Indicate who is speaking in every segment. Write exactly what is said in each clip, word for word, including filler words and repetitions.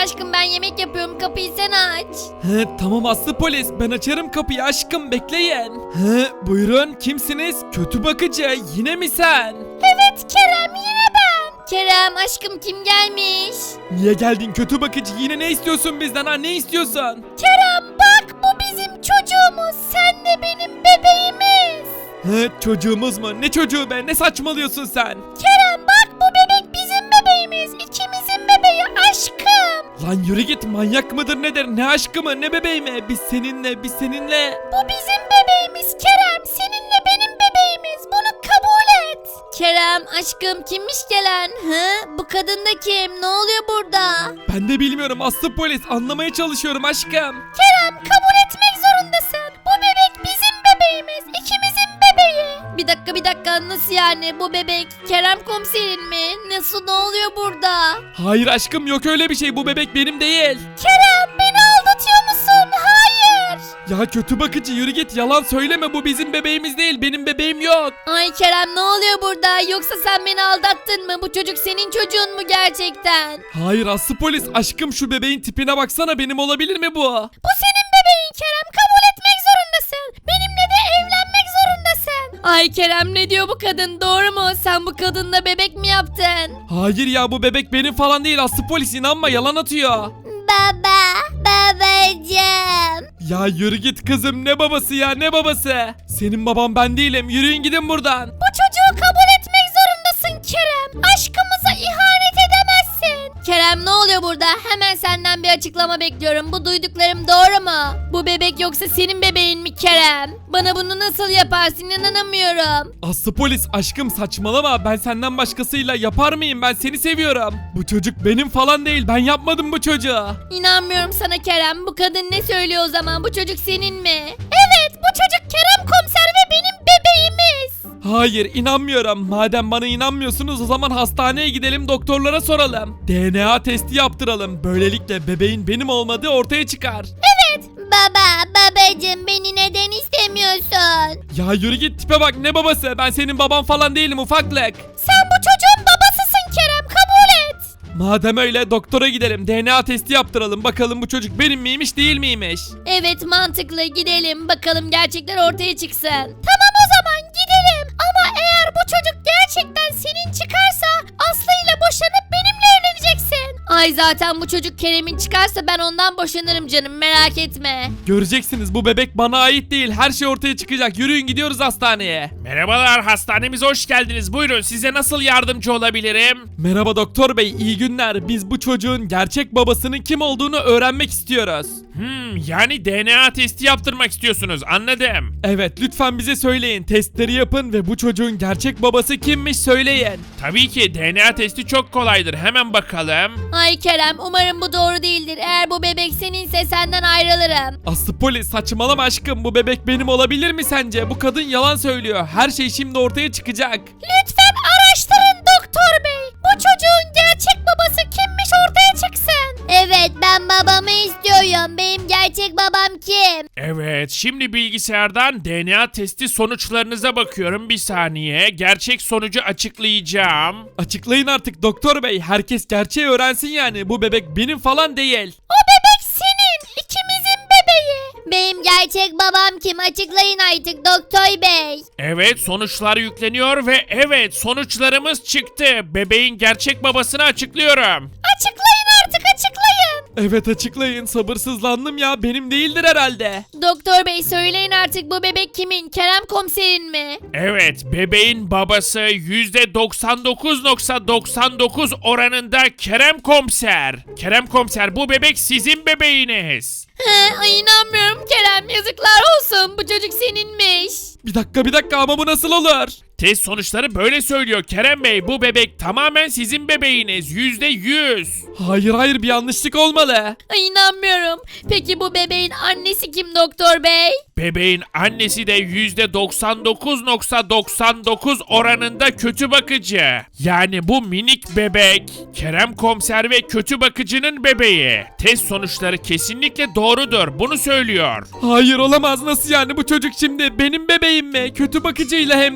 Speaker 1: aşkım, ben yemek yapıyorum, kapıyı sen aç.
Speaker 2: He, tamam Aslı polis, ben açarım kapıyı aşkım, bekleyin. He, buyurun, kimsiniz? Kötü bakıcı, yine mi sen?
Speaker 1: Evet Kerem, yine ben. Kerem aşkım, kim gelmiş?
Speaker 2: Niye geldin kötü bakıcı, yine ne istiyorsun bizden, ha, ne istiyorsun?
Speaker 1: Kerem bak, bu bizim çocuğumuz, sen de benim bebeğimiz.
Speaker 2: He, çocuğumuz mu? Ne çocuğu be, ne saçmalıyorsun sen?
Speaker 1: Kerem bak, bu bebek bizim bebeğimiz, ikimizin bebeği aşkım.
Speaker 2: Lan yürü git, manyak mıdır nedir, ne aşkı mı, ne bebeği mi? Biz seninle, biz seninle.
Speaker 1: Bu bizim bebeğimiz Kerem, seninle benim bebeğimiz, bunu kabul et. Kerem aşkım, kimmiş gelen? Hı? Bu kadın da kim? Ne oluyor burada?
Speaker 2: Ben de bilmiyorum Aslı polis, anlamaya çalışıyorum aşkım.
Speaker 1: Kerem kabul etmek zorundasın. Bu bebek bizim bebeğimiz, ikimizin bebeği. Bir dakika bir dakika, nasıl yani, bu bebek Kerem komiserin mi? Nasıl, ne oluyor burada?
Speaker 2: Hayır aşkım, yok öyle bir şey, bu bebek benim değil.
Speaker 1: Kerem beni aldatıyor musun? Hayır.
Speaker 2: Ya kötü bakıcı yürü git, yalan söyleme, bu bizim bebeğimiz değil, benim bebeğim yok.
Speaker 1: Ay Kerem, ne oluyor burada? Yoksa sen beni aldattın mı? Bu çocuk senin çocuğun mu gerçekten?
Speaker 2: Hayır Aslı polis, aşkım şu bebeğin tipine baksana, benim olabilir mi bu?
Speaker 1: Bu senin bebeğin Kerem, kabul etmek zorundasın. Benimle de evlenmek zorundasın. Ay Kerem, ne diyor bu kadın, doğru mu? Sen bu kadınla bebek mi yaptın?
Speaker 2: Hayır ya, bu bebek benim falan değil Aslı polis, inanma, yalan atıyor.
Speaker 1: Baba, babacığım.
Speaker 2: Ya yürü git kızım, ne babası ya, ne babası? Senin baban ben değilim, yürüyün gidin buradan.
Speaker 1: Bu çocuğu kabul etmek zorundasın Kerem. Aşkımıza ihanet edemezsin. Kerem, ne oluyor burada? Hemen senden bir açıklama bekliyorum. Bu duyduklarım doğru mu? Bu bebek yoksa senin bebeğin mi Kerem? Bana bunu nasıl yaparsın, inanamıyorum.
Speaker 2: Aslı polis, aşkım saçmalama, ben senden başkasıyla yapar mıyım, ben seni seviyorum. Bu çocuk benim falan değil, ben yapmadım bu çocuğu.
Speaker 1: İnanmıyorum sana Kerem. Bu kadın ne söylüyor o zaman? Bu çocuk senin mi? Evet, bu çocuk Kerem komiser ve benim bebeğimiz.
Speaker 2: Hayır, inanmıyorum. Madem bana inanmıyorsunuz, o zaman hastaneye gidelim, doktorlara soralım. D N A testi yaptıralım. Böylelikle bebeğin benim olmadığı ortaya çıkar.
Speaker 1: Evet. Baba, babacığım, beni neden istemiyorsun?
Speaker 2: Ya yürü git, tipe bak, ne babası? Ben senin baban falan değilim ufaklık.
Speaker 1: Sen bu çocuğun babasısın Kerem, kabul et.
Speaker 2: Madem öyle, doktora gidelim, D N A testi yaptıralım, bakalım bu çocuk benim miymiş değil miymiş.
Speaker 1: Evet, mantıklı, gidelim bakalım, gerçekler ortaya çıksın. Tamam, o zaman gidelim. Ama eğer bu çocuk gerçekten senin çıkarsa Aslı ile boşanıp benimle evleneceksin. Ay zaten bu çocuk Kerem'in çıkarsa ben ondan boşanırım canım, merak etme.
Speaker 2: Göreceksiniz, bu bebek bana ait değil, her şey ortaya çıkacak, yürüyün gidiyoruz hastaneye.
Speaker 3: Merhabalar, hastanemize hoş geldiniz. Buyurun, size nasıl yardımcı olabilirim?
Speaker 2: Merhaba doktor bey, iyi günler. Biz bu çocuğun gerçek babasının kim olduğunu öğrenmek istiyoruz.
Speaker 3: Hmm, yani D N A testi yaptırmak istiyorsunuz, anladım.
Speaker 2: Evet, lütfen bize söyleyin, testleri yapın ve bu çocuğun gerçek babası kimmiş söyleyin.
Speaker 3: Tabii ki D N A testi çok kolaydır, hemen bakalım.
Speaker 1: Ay Kerem, umarım bu doğru değildir. Eğer bu bebek seninse senden ayrılırım.
Speaker 2: Aslı polis, saçmalama aşkım, bu bebek benim olabilir mi sence? Bu kadın yalan söylüyor, her şey şimdi ortaya çıkacak.
Speaker 1: Lütfen araştırın doktor bey. Bu çocuğun gerçek babası kimmiş ortaya çıksın. Evet, ben babamı istiyorum. Benim gerçek babam kim?
Speaker 3: Evet, şimdi bilgisayardan D N A testi sonuçlarınıza bakıyorum, bir saniye. Gerçek sonucu açıklayacağım.
Speaker 2: Açıklayın artık doktor bey, herkes gerçeği öğrensin yani, bu bebek benim falan değil.
Speaker 1: O bebek senin, ikimizin bebeği. Benim gerçek babam kim? Açıklayın artık doktor bey.
Speaker 3: Evet, sonuçlar yükleniyor ve evet, sonuçlarımız çıktı. Bebeğin gerçek babasını açıklıyorum.
Speaker 1: Açıklayın artık, açıklayın.
Speaker 2: Evet açıklayın, sabırsızlandım ya, benim değildir herhalde.
Speaker 1: Doktor bey, söyleyin artık, bu bebek kimin? Kerem komiserin mi?
Speaker 3: Evet, bebeğin babası yüzde doksan dokuz nokta doksan dokuz oranında Kerem Komiser. Kerem Komiser, bu bebek sizin bebeğiniz.
Speaker 1: He, ay inanmıyorum Kerem, yazıklar olsun, bu çocuk seninmiş.
Speaker 2: Bir dakika bir dakika, ama bu nasıl olur?
Speaker 3: Test sonuçları böyle söylüyor Kerem Bey, bu bebek tamamen sizin bebeğiniz, yüzde yüz.
Speaker 2: Hayır hayır, bir yanlışlık olmalı.
Speaker 1: Ay inanmıyorum. Peki bu bebeğin annesi kim doktor bey?
Speaker 3: Bebeğin annesi de yüzde doksan dokuz nokta doksan dokuz oranında kötü bakıcı. Yani bu minik bebek Kerem Komiser ve kötü bakıcının bebeği. Test sonuçları kesinlikle doğrudur, bunu söylüyor.
Speaker 2: Hayır olamaz, nasıl yani, bu çocuk şimdi benim bebeğim mi? Kötü bakıcıyla hem de.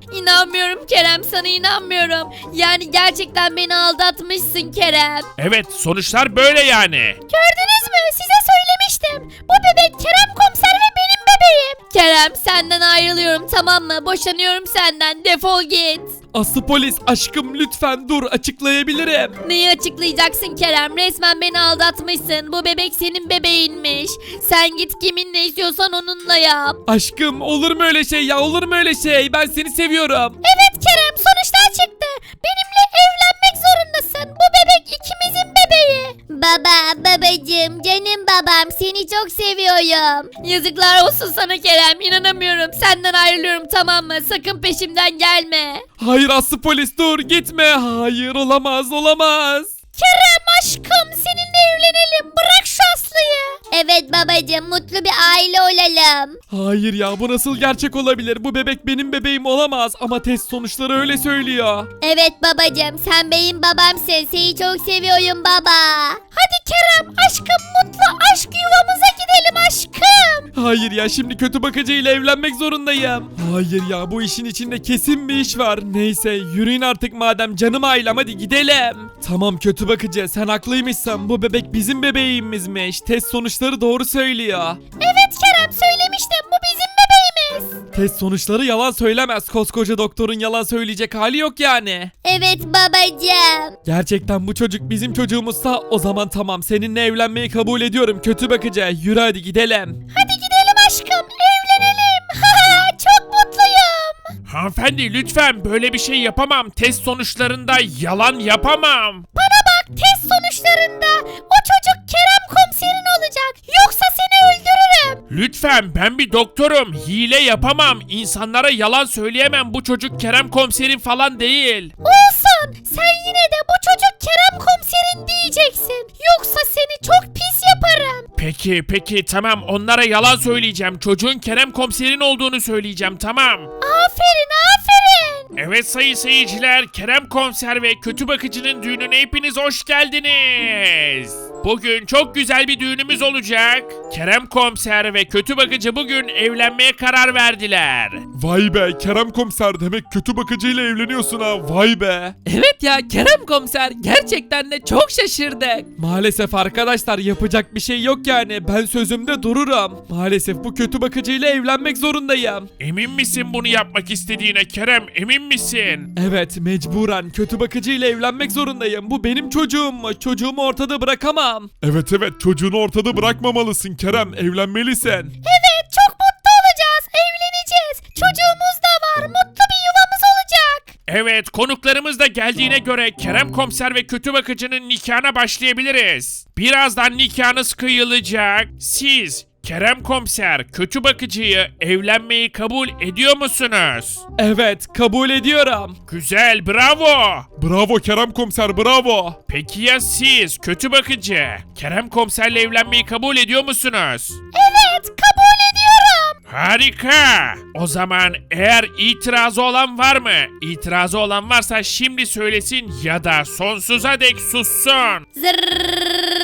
Speaker 1: İnanmıyorum Kerem, sana inanmıyorum. Yani gerçekten beni aldatmışsın Kerem.
Speaker 3: Evet, sonuçlar böyle yani.
Speaker 1: Gördünüz mü? Size söylemiştim. Bu bebek Kerem komiser ve benim bebeğim. Kerem, senden ayrılıyorum, tamam mı? Boşanıyorum senden. Defol git.
Speaker 2: Aslı polis aşkım lütfen dur açıklayabilirim.
Speaker 1: Neyi açıklayacaksın Kerem? Resmen beni aldatmışsın. Bu bebek senin bebeğinmiş. Sen git kiminle istiyorsan onunla yap.
Speaker 2: Aşkım olur mu öyle şey ya, olur mu öyle şey, ben seni seviyorum.
Speaker 1: Evet Kerem, sonuçlar çıktı. Benimle evlenmek zorundasın. Bu bebek ikimizin bebeği. Baba, babacığım, canım babam, seni çok seviyorum. Yazıklar olsun sana Kerem, inanamıyorum. Senden ayrılıyorum, tamam mı? Sakın peşimden gelme.
Speaker 2: Hayır Aslı polis dur gitme, hayır olamaz olamaz.
Speaker 1: Kerem aşkım, seninle evlenelim. Bırak şu Aslı'yı. Evet babacığım, mutlu bir aile olalım.
Speaker 2: Hayır ya, bu nasıl gerçek olabilir, bu bebek benim bebeğim olamaz ama test sonuçları öyle söylüyor.
Speaker 1: Evet babacığım, sen benim babamsın. Seni çok seviyorum baba. Hadi Kerem aşkım, mutlu aşk yuvamıza gidelim aşkım.
Speaker 2: Hayır ya, şimdi kötü bakıcıyla evlenmek zorundayım. Hayır ya, bu işin içinde kesin bir iş var. Neyse yürüyün artık madem, canım ailem, hadi gidelim. Tamam kötü bakıcı, sen haklıymışsın, bu bebek bizim bebeğimizmiş. Test sonuçları doğru söylüyor.
Speaker 1: Evet Kerem, söylemiştim, bu bizim bebeğimiz.
Speaker 2: Test sonuçları yalan söylemez. Koskoca doktorun yalan söyleyecek hali yok yani.
Speaker 1: Evet babacığım.
Speaker 2: Gerçekten bu çocuk bizim çocuğumuzsa o zaman tamam, seninle evlenmeyi kabul ediyorum kötü bakıcı. Yürü hadi gidelim.
Speaker 1: Hadi gidelim aşkım, evlenelim. Çok mutluyum.
Speaker 3: Hanımefendi lütfen, böyle bir şey yapamam. Test sonuçlarında yalan yapamam.
Speaker 1: Bana bak, test sonuçlarında o çocuk Kerem komiserin olacak. Yoksa seni öldürürüm.
Speaker 3: Lütfen, ben bir doktorum. Hile yapamam. İnsanlara yalan söyleyemem. Bu çocuk Kerem komiserin falan değil.
Speaker 1: Olsun. Sen yine de bu çocuk Kerem komiserin diyeceksin. Yoksa seni çok pis yaparım.
Speaker 3: Peki peki tamam, onlara yalan söyleyeceğim. Çocuğun Kerem komiserin olduğunu söyleyeceğim, tamam.
Speaker 1: Aferin aferin.
Speaker 3: Evet sayın seyirciler, Kerem komiser ve kötü bakıcının düğününe hepiniz hoş geldiniz. Bugün çok güzel bir düğünümüz olacak. Kerem komiser ve kötü bakıcı bugün evlenmeye karar verdiler.
Speaker 2: Vay be Kerem komiser, demek kötü bakıcıyla evleniyorsun ha, vay be.
Speaker 4: Evet ya Kerem komiser, gerçekten de çok şaşırdık.
Speaker 2: Maalesef arkadaşlar, yapacak bir şey yok yani, ben sözümde dururum. Maalesef bu kötü bakıcıyla evlenmek zorundayım.
Speaker 3: Emin misin bunu yapmak istediğine Kerem, emin misin?
Speaker 2: Evet, mecburen kötü bakıcıyla evlenmek zorundayım. Bu benim çocuğum, çocuğumu ortada bırakamam.
Speaker 5: Evet evet, çocuğunu ortada bırakmamalısın Kerem, evlenmelisin.
Speaker 1: Evet, çok mutlu olacağız. Evleneceğiz. Çocuğumuz da var. Mutlu bir yuvamız olacak.
Speaker 3: Evet, konuklarımız da geldiğine göre Kerem komiser ve kötü bakıcının nikahına başlayabiliriz. Birazdan nikahınız kıyılacak. Siz Kerem komiser, kötü bakıcıyı evlenmeyi kabul ediyor musunuz?
Speaker 2: Evet, kabul ediyorum.
Speaker 3: Güzel, bravo.
Speaker 5: Bravo Kerem komiser, bravo.
Speaker 3: Peki ya siz kötü bakıcı? Kerem komiserle evlenmeyi kabul ediyor musunuz?
Speaker 1: Evet, kabul ediyorum.
Speaker 3: Harika. O zaman eğer itirazı olan var mı? İtirazı olan varsa şimdi söylesin ya da sonsuza dek sussun.
Speaker 1: Zırrrr,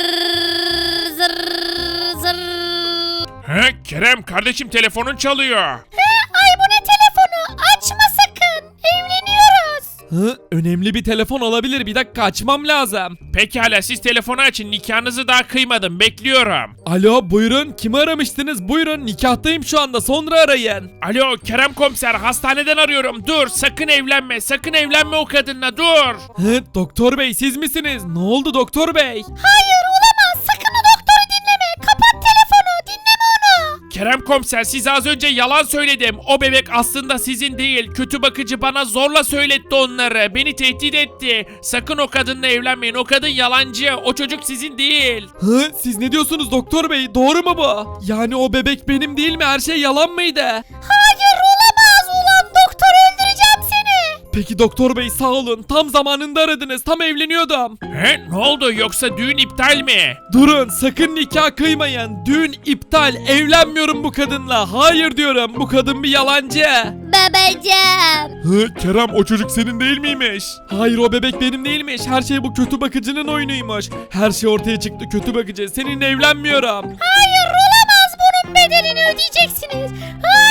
Speaker 1: zırrrr, zırrrr.
Speaker 3: He, Kerem kardeşim, telefonun çalıyor.
Speaker 1: He, ay bu ne telefonu? Açma sakın. Evleniyoruz.
Speaker 2: Hı, önemli bir telefon olabilir, bir dakika açmam lazım.
Speaker 3: Pekala, siz telefonu açın, nikahınızı daha kıymadım, bekliyorum.
Speaker 2: Alo buyurun, kimi aramıştınız, buyurun, nikahtayım şu anda, sonra arayın.
Speaker 3: Alo Kerem komiser, hastaneden arıyorum. Dur, sakın evlenme, sakın evlenme o kadınla, dur.
Speaker 2: Hı, doktor bey siz misiniz, ne oldu doktor bey?
Speaker 1: Hayır, olamaz. Sakın o doktoru dinleme. Kapat telefonu. Dinleme onu.
Speaker 3: Kerem komiser, size az önce yalan söyledim. O bebek aslında sizin değil. Kötü bakıcı bana zorla söyletti onları. Beni tehdit etti. Sakın o kadınla evlenmeyin. O kadın yalancı. O çocuk sizin değil.
Speaker 2: Hı, siz ne diyorsunuz doktor bey, doğru mu bu? Yani o bebek benim değil mi, her şey yalan mıydı?
Speaker 1: Hayır, olamaz. Ulan doktor, öldüreceğim seni.
Speaker 2: Peki doktor bey sağ olun, tam zamanında aradınız, tam evleniyordum.
Speaker 3: He, ne oldu, yoksa düğün iptal mi?
Speaker 2: Durun, sakın nikah kıymayın, düğün iptal, evlenmiyorum bu kadınla, hayır diyorum, bu kadın bir yalancı.
Speaker 1: Babacığım.
Speaker 5: Hı, Kerem o çocuk senin değil miymiş?
Speaker 2: Hayır, o bebek benim değilmiş, her şey bu kötü bakıcının oyunuymuş. Her şey ortaya çıktı kötü bakıcı, seninle evlenmiyorum.
Speaker 1: Hayır, olamaz. Bunun bedelini ödeyeceksiniz. Hayır.